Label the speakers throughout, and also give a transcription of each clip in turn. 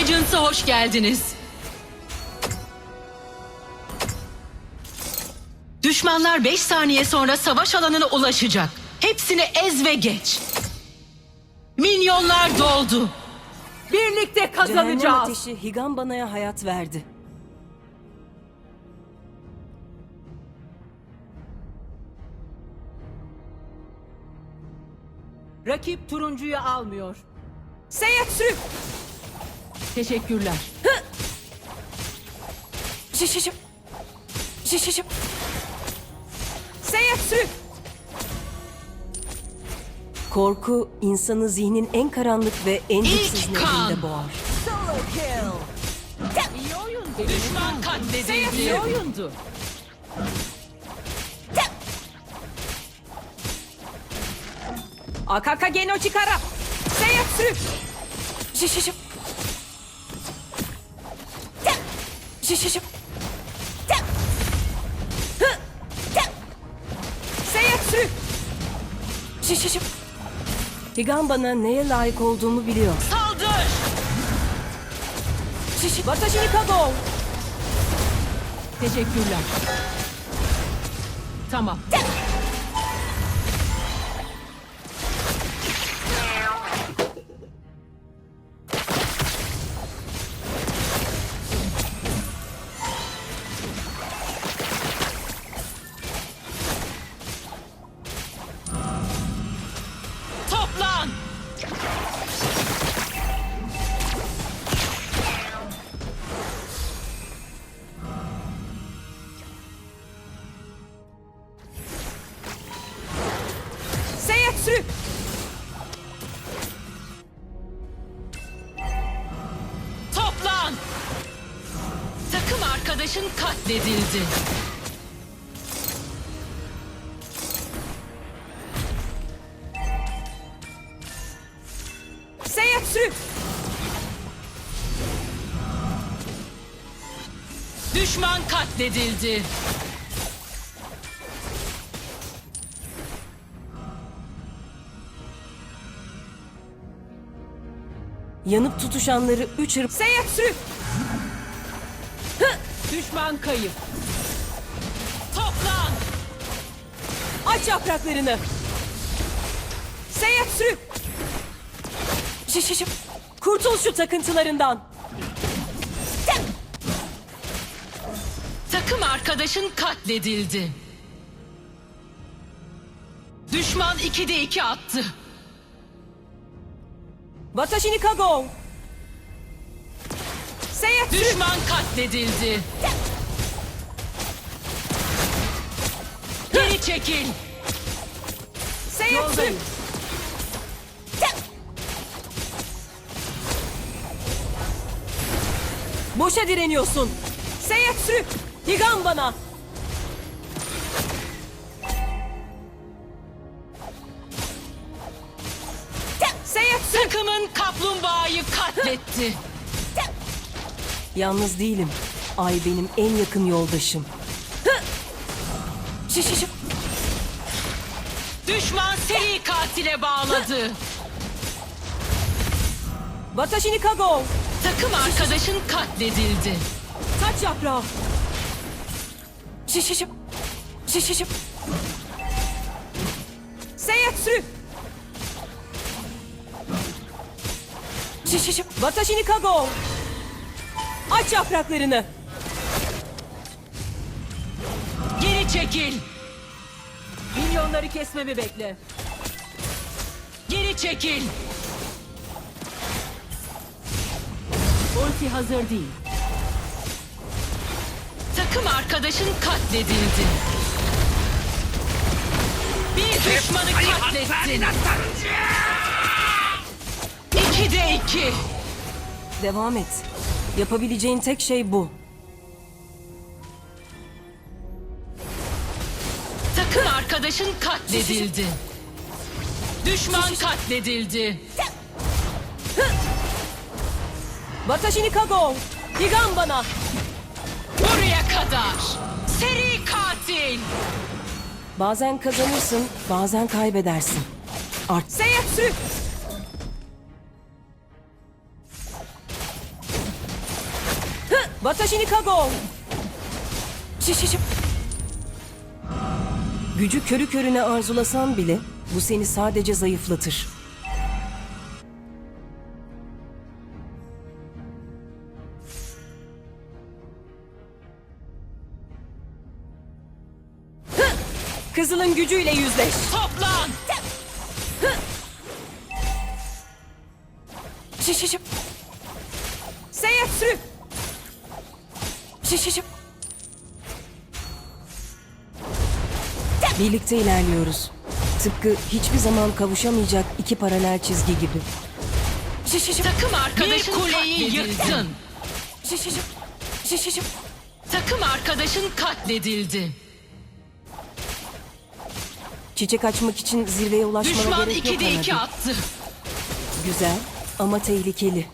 Speaker 1: Legends'a hoş geldiniz. Düşmanlar 5 saniye sonra savaş alanına ulaşacak. Hepsini ez ve geç. Minyonlar doldu.
Speaker 2: Birlikte
Speaker 3: Cehennem
Speaker 2: kazanacağız.
Speaker 3: ateşi Higambana'ya hayat verdi.
Speaker 2: Rakip turuncuyu almıyor.
Speaker 3: Seyyatsü!
Speaker 2: Teşekkürler.
Speaker 3: Şişişim! Şişişim! Seyyatsü! Korku, insanı zihnin en karanlık ve en güçsüz
Speaker 1: İlk kan.
Speaker 3: nevrinde boğar.
Speaker 2: Solo kill. İyi oyun.
Speaker 1: Düşman katledildi.
Speaker 2: İyi oyundu. Akaka Geno Chikara.
Speaker 3: Seyyatsü! Şişişim! Şişişim! Seyyatsü! Şişişim! Higambana neye layık olduğumu biliyor.
Speaker 1: Saldır.
Speaker 3: Şişi! Watashi ni kago!
Speaker 2: Teşekkürler. Tamam.
Speaker 1: Toplan.
Speaker 3: Seyyatsü!
Speaker 1: Toplan. Takım arkadaşın katledildi.
Speaker 3: Seyyatsü!
Speaker 1: Düşman katledildi.
Speaker 3: Yanıp tutuşanları üç hırp... Seyyatsü!
Speaker 2: Düşman kayıp.
Speaker 1: Toplan.
Speaker 3: Aç yapraklarını! Seyyatsü! Şişişim! Kurtul şu takıntılarından!
Speaker 1: Takım arkadaşın katledildi. Düşman 2'de 2 attı.
Speaker 3: Watashi ni kago! Seyyatsü!
Speaker 1: Düşman katledildi. Geri çekil.
Speaker 3: Seyyatsü!
Speaker 2: Yoldayım.
Speaker 3: Boşa direniyorsun! Seyyatsü! Higambana! Seyyatsü!
Speaker 1: Takımın kaplumbağayı katletti.
Speaker 3: Yalnız değilim. Ay benim en yakın yoldaşım. Şişişim!
Speaker 1: Düşman seri katile bağladı.
Speaker 3: Watashi ni kago!
Speaker 1: Takım arkadaşın katledildi.
Speaker 3: Taç yaprağı! Şişişim! Şişişim! Seyyatsü! Şişişim! Watashi ni kago! Aç yapraklarını!
Speaker 1: Geri çekil.
Speaker 2: Milyonları kesmemi bekle.
Speaker 1: Geri çekil.
Speaker 2: Ulti hazır değil.
Speaker 1: Takım arkadaşın katledildi. Bir düşmanı katlettin. 2'de 2.
Speaker 3: Devam et. Yapabileceğin tek şey bu.
Speaker 1: Takım arkadaşın katledildi. Düşman katledildi.
Speaker 3: Watashi ni kago! Higambana!
Speaker 1: Buraya kadar. Seri katil.
Speaker 3: Bazen kazanırsın, bazen kaybedersin. Seyyatsü! Watashi ni kago! Şişişip. Gücü körü körüne arzulasan bile bu seni sadece zayıflatır. Hı! Kızılın gücüyle yüzleş.
Speaker 1: Toplan!
Speaker 3: Şişişip. Seyyatsürü. Şişişip. Birlikte ilerliyoruz. Tıpkı hiçbir zaman kavuşamayacak iki paralel çizgi gibi. Şişişip.
Speaker 1: Takım arkadaşın kuleyi yıktın.
Speaker 3: Şişişip. Şişişip.
Speaker 1: Takım arkadaşın katledildi.
Speaker 3: Çiçek açmak için zirveye ulaşmana
Speaker 1: Düşman
Speaker 3: gerek yok
Speaker 1: 2'de 2
Speaker 3: Hanabi.
Speaker 1: attı.
Speaker 3: Güzel ama tehlikeli.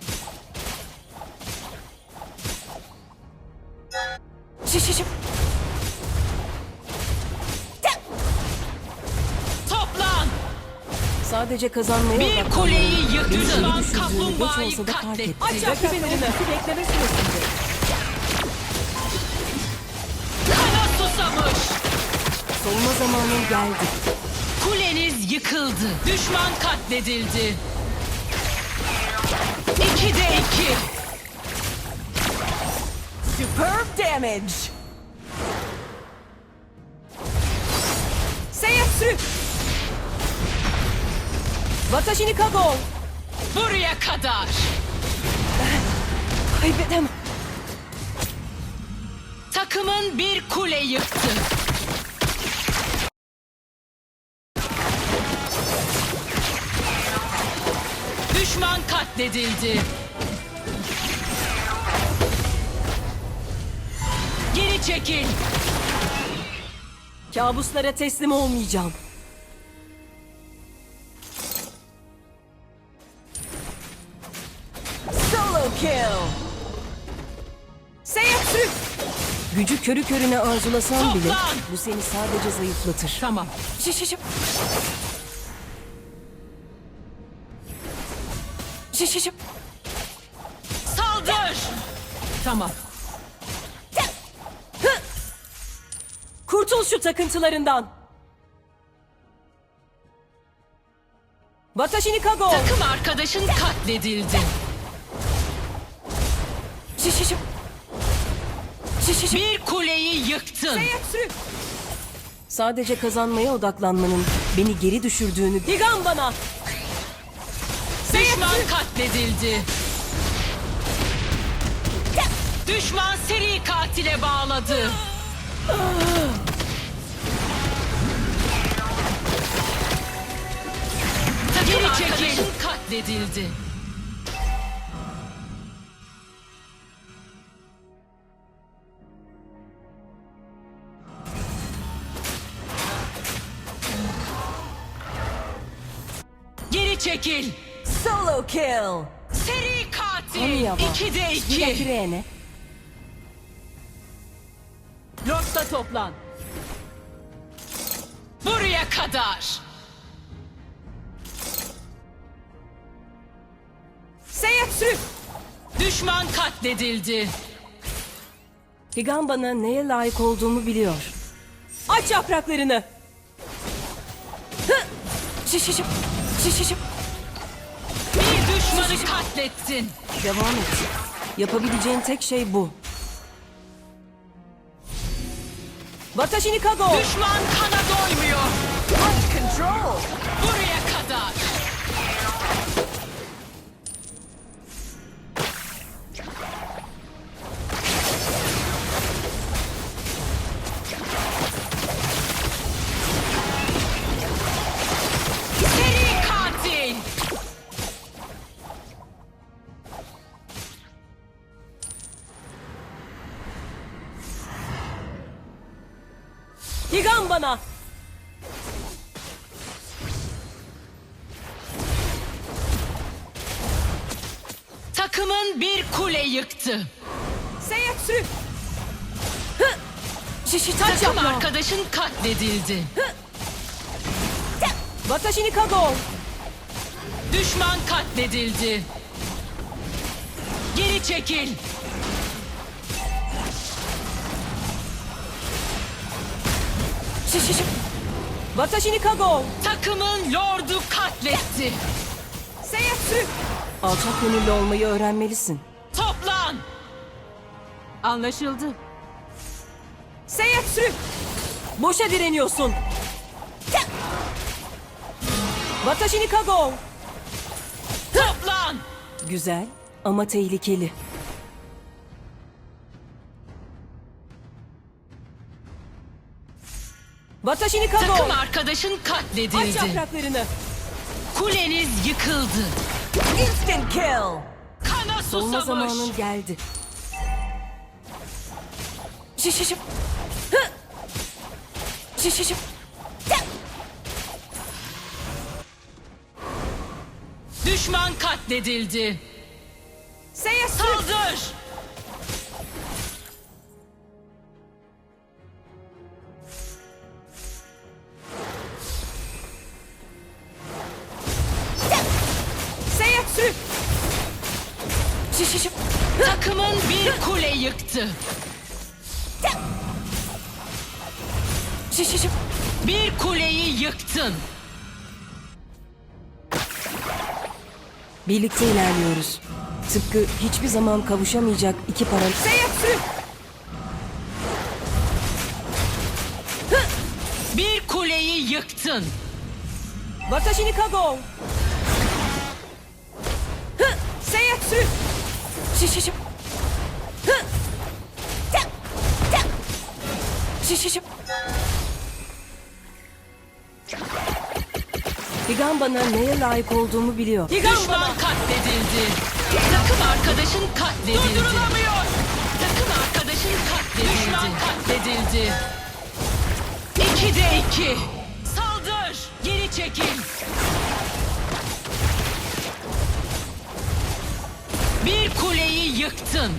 Speaker 3: Şişişip.
Speaker 1: Toplan!
Speaker 3: Sadece kazanmaya
Speaker 1: Bir
Speaker 3: odaklanmalıyım.
Speaker 1: kuleyi yıktı.
Speaker 3: Beni
Speaker 1: Düşman
Speaker 3: iyi düşürdüğünü geç
Speaker 1: kaplumbağayı
Speaker 3: olsa da fark
Speaker 1: katletti.
Speaker 3: etti.
Speaker 2: Aç rakibin ultisi bekleme süresinde.
Speaker 1: Kana susamış.
Speaker 3: Solma zamanın geldi.
Speaker 1: Kuleniz yıkıldı. Düşman katledildi. 2'de 2.
Speaker 2: Superb damage. Seyyatsürü.
Speaker 3: Watashi ni kago!
Speaker 1: Buraya kadar.
Speaker 3: Kaybedemem.
Speaker 1: Takımın bir kule yıktı. Düşman katledildi. Geri çekil.
Speaker 3: Kabuslara teslim olmayacağım.
Speaker 2: Solo kill.
Speaker 3: Seyyatsürü! Gücü körü körüne arzulasan bile
Speaker 1: Toplan!
Speaker 3: bu seni sadece zayıflatır.
Speaker 1: Tamam.
Speaker 3: Şişişip. Şişişip.
Speaker 1: Saldır.
Speaker 2: Tamam.
Speaker 3: Kurtul şu takıntılarından. Watashi ni kago!
Speaker 1: Takım arkadaşın katledildi.
Speaker 3: Şişişip. Şişişip.
Speaker 1: Bir kuleyi yıktın.
Speaker 3: Seyyatsürü! Sadece kazanmaya odaklanmanın beni geri düşürdüğünü... Digan bana!
Speaker 1: Düşman katledildi. Düşman seri katile bağladı. Takım arkadaşın katledildi. Geri çekil.
Speaker 2: Solo kill.
Speaker 1: Seri katil.
Speaker 3: Amiyawa.
Speaker 1: 2'de 2.
Speaker 3: Yakirene.
Speaker 2: Lord'da toplan.
Speaker 1: Buraya kadar.
Speaker 3: Seyyatsürü!
Speaker 1: Düşman katledildi.
Speaker 3: Digan bana neye layık olduğumu biliyor. Aç yapraklarını! Hı! Şişişip! Şişişip!
Speaker 1: Bir düşmanı katlettin.
Speaker 3: Devam et. Yapabileceğin tek şey bu. Watashi ni kago!
Speaker 1: Düşman kana doymuyor.
Speaker 2: Control.
Speaker 1: Buraya kadar. Seri katil.
Speaker 3: Digan bana!
Speaker 1: Takımın bir kule yıktı.
Speaker 3: Seyyatsürü! Hı! Şişitaç
Speaker 1: Takım
Speaker 3: yapma!
Speaker 1: arkadaşın katledildi.
Speaker 3: Watashi ni kago!
Speaker 1: Düşman katledildi. Geri çekil.
Speaker 3: Şişişip. Watashi ni kago.
Speaker 1: Takımın lordu katletti.
Speaker 3: Seyatsu. Alçak gönüllü olmayı öğrenmelisin.
Speaker 1: Toplan.
Speaker 2: Anlaşıldı.
Speaker 3: Seyatsu. Boşa direniyorsun. Watashi ni kago.
Speaker 1: Toplan.
Speaker 3: Güzel ama tehlikeli. Watashi ni kago.
Speaker 1: Takım arkadaşın
Speaker 3: Aç
Speaker 1: katledildi.
Speaker 3: yapraklarını.
Speaker 1: Kuleniz yıkıldı.
Speaker 2: Instant kill.
Speaker 1: Kana
Speaker 3: Solma
Speaker 1: susamış.
Speaker 3: zamanın geldi. Şişişip. Hı. Şişişip.
Speaker 1: Düşman katledildi.
Speaker 3: Seyatsu.
Speaker 1: Saldır.
Speaker 3: Seyatsu. Şişişip.
Speaker 1: Takımın bir kule yıktı.
Speaker 3: Şişişip.
Speaker 1: Bir kuleyi yıktın.
Speaker 3: Birlikte ilerliyoruz. Tıpkı hiçbir zaman kavuşamayacak iki paralel... Seyatsu.
Speaker 1: Bir kuleyi yıktın.
Speaker 3: Watashi ni kago. Hı. Seyatsu. Şişişip. Hı. Şişişip. Higan bana neye layık olduğumu biliyor.
Speaker 1: Düşman katledildi. Takım arkadaşın katledildi. Durdurulamıyor. Takım arkadaşın katledildi. Düşman katledildi. 2'de 2. Saldır. Geri çekil. Bir kuleyi yıktın.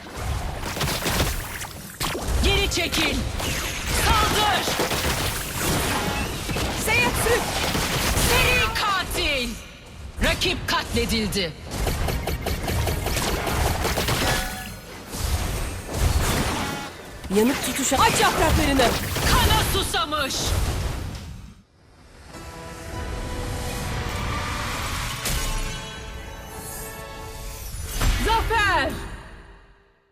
Speaker 1: Geri çekil. Saldır.
Speaker 3: Seyatsu.
Speaker 1: Seri katil. Rakip katledildi.
Speaker 3: Yanıp tutuşan... Aç yapraklarını.
Speaker 1: Kana susamış.